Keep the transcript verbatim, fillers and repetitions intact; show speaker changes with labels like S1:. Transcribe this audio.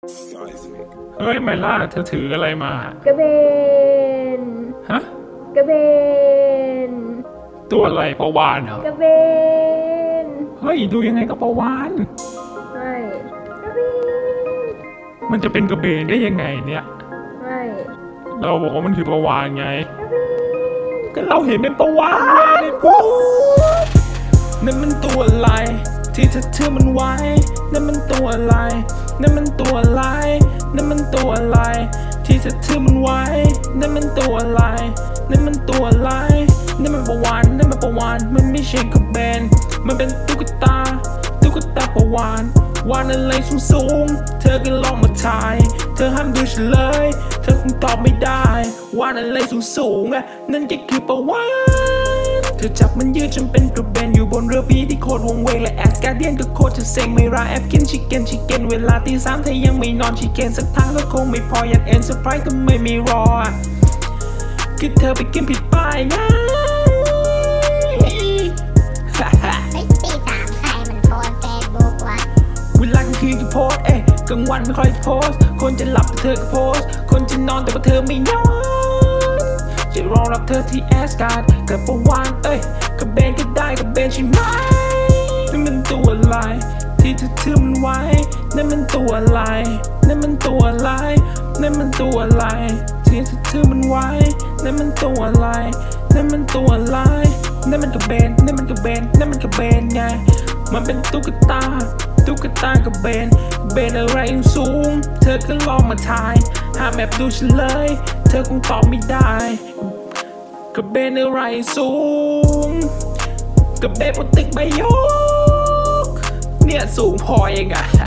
S1: เฮ้ยไมล่าเธอถืออะไรมาก
S2: ระเบน
S1: ฮะ
S2: กระเบน
S1: ตัวอะไรปลาวาฬเหรอก
S2: ระเบน
S1: เฮ้ยดูยังไงก็ปลาวาฬ
S2: ไม่กระเบน
S1: มันจะเป็นกระเบนได้ยังไงเนี่ย
S2: ไม่
S1: เราบอกว่ามันคือปลาวาฬไงก็เราเห็นเป็นปลาวาฬปุ๊บนั่นมันตัวอะไรที่เธอเชื่อมันไว้นั่นมันตัวอะไรนั่นมันตัวอะไรนั่นมันตัวอะไรที่เธอเชื่อมันไว้นั่นมันตัวอะไรนั่นมันตัวอะไรนั่นมันปลาวาฬนั่นมันปลาวาฬมันไม่ใช่กระเบนมันเป็นตุ๊กตาตุ๊กตาปลาวาฬวาฬอะไรสูงสูงเธอก็ลองมาทายเธอห้ามดูเฉลยเธอคงตอบไม่ได้วาฬอะไรสูงสูงอ่ะนั่นก็คือปลาวาฬเธอจับมันยืดจนเป็นกระเบนอยู่บนเรือพีที่โคตรวงเวงและแอสการเดียนก็โคตรจะเซ็งไม่ราแอบกินชิคเก้นชิคเก้นเวลาตีสามเธอยังไม่นอนชิคเก้นสักทางก็คงไม่พออยากเอ็นเซอร์ไพรส์ก็ไม่มีรอคือเธอไปกินผิดป้ายนะ
S3: ตีสามใครมันโพสเฟซบุ๊กวะ
S1: เวลากลางคืนก็โพสเอ๊ะกลางวันไม่ค่อยโพสคนจะหลับแต่เธอก็โพสคนจะนอนแต่ว่าเธอไม่นอนจะรอรับเธอที่แอสการ์ดกับปลาวาฬเอ้ยกับเบนก็ได้กับเบนใช่ไหมนั่นมันตัวอะไรที่เธอถือมันไว้นั่นมันตัวอะไรนั่นมันตัวอะไรนั่นมันตัวอะไรที่เธอถือมันไว้นั่นมันตัวอะไรนั่นมันตัวอะไรนั่นมันกับเบนนั่นมันกับเบนนั่นมันกับเบนไงมันเป็นตุ๊กตาตุ๊กตากับเบนเบนอะไรสูงเธอก็ลองมาทายหาแมปดูเฉลยเธอคงตอบไม่ได้กับเบนอะไรสูงกับเบนบนตึกใบยกเนี่ยสูงพอเองอะ